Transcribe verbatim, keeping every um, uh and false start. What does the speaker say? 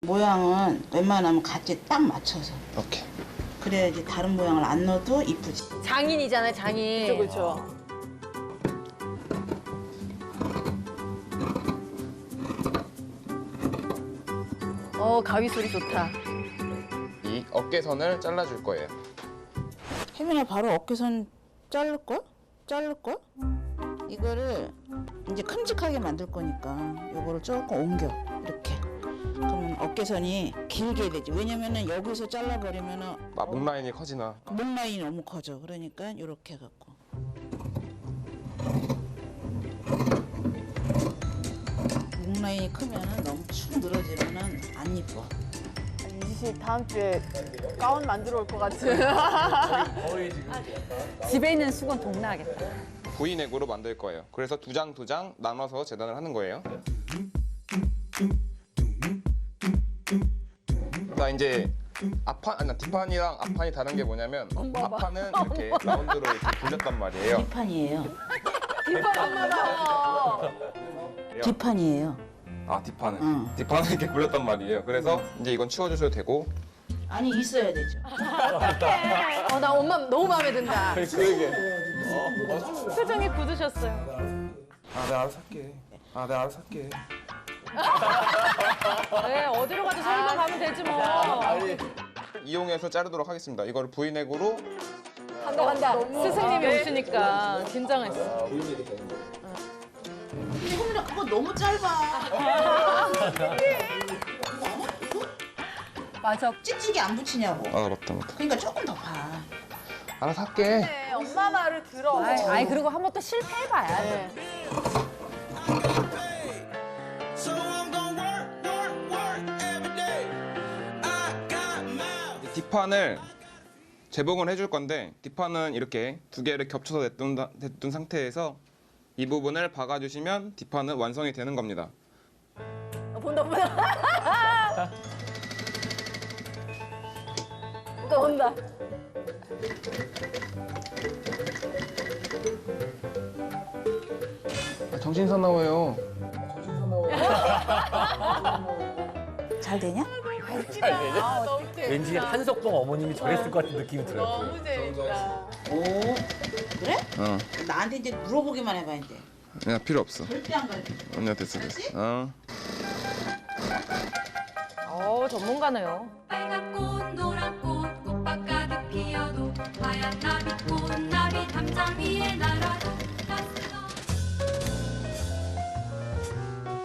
모양은 웬만하면 같이 딱 맞춰서. 오케이. 그래야지 다른 모양을 안 넣어도 이쁘지. 장인이잖아요, 장인. 그렇죠. 어, 가위 소리 좋다. 이 어깨선을 잘라줄 거예요. 혜민아 바로 어깨선 자를걸? 자를걸? 이거를 이제 큼직하게 만들 거니까 요거를 조금 옮겨 이렇게. 그러면 어깨선이 길게 되지. 왜냐면은 여기서 잘라버리면은 아, 목 라인이 커지나. 목 라인이 너무 커져. 그러니까 이렇게 해갖고. 목 라인이 크면은 너무 축 늘어지면은 안 이뻐. 이식 다음 주에 가운 만들어 올 것 같은. 집에 있는 수건 동나하겠다. V넥으로 만들 거예요. 그래서 두 장 두 장 나눠서 재단을 하는 거예요. 자 이제 앞판, 아니 뒷판이랑 앞판이 다른 게 뭐냐면 앞판은 이렇게 라운드로 이렇게 굴렸단 말이에요. 뒷판이에요. 뒷판 엄마다. 뒷판이에요. 아 뒷판은? 응. 뒷판은 이렇게 굴렸단 말이에요. 그래서 이제 이건 치워주셔도 되고. 아니 있어야 되죠. 어, 나 엄마 너무 마음에 든다. 그러게. 표정이 굳으셨어요. 아 내가 알아서 할게. 아 내가 알아서 할게. 네, 어디로 가도 서울만 가면 되지 뭐. 이용해서 자르도록 하겠습니다. 이거를 V넥으로. 간다, 간다. 스승님이 오시니까 긴장했어. 근데 혜민아 그거 너무 짧아. 맞아. 찍찍이 안 붙이냐고. 아 맞다 맞다. 그러니까 조금 더 봐. 알아서 할게. 네, 엄마 말을 들어. 아이, 아이 그리고 한 번 또 실패해봐야 돼. So I'm gonna work, work, work every day. I got mouth. 뒷판을 재봉을 해줄 건데 뒷판은 이렇게 두 개를 겹쳐서 냈둔, 냈둔 상태에서 이 부분을 박아주시면 뒷판은 완성이 되는 겁니다. 어, 본다 본다. 본다 본다. 아, 정신 사나워요. 잘 되냐? 아, 너무 재밌다. 왠지 한석봉 어머님이 저랬을 것 같은 느낌이 들어요. 너무 재밌다. 오 그래? 어, 나한테 이제 물어보기만 해봐 이제. 야 필요 없어. 절대 안 가르쳐. 언니야 됐어 됐어. 어. 어, 전문가네요. 빨간 꽃 노란 꽃 꽃밭 가득 피어도 하얀 나비꽃 나비 담장 위에 나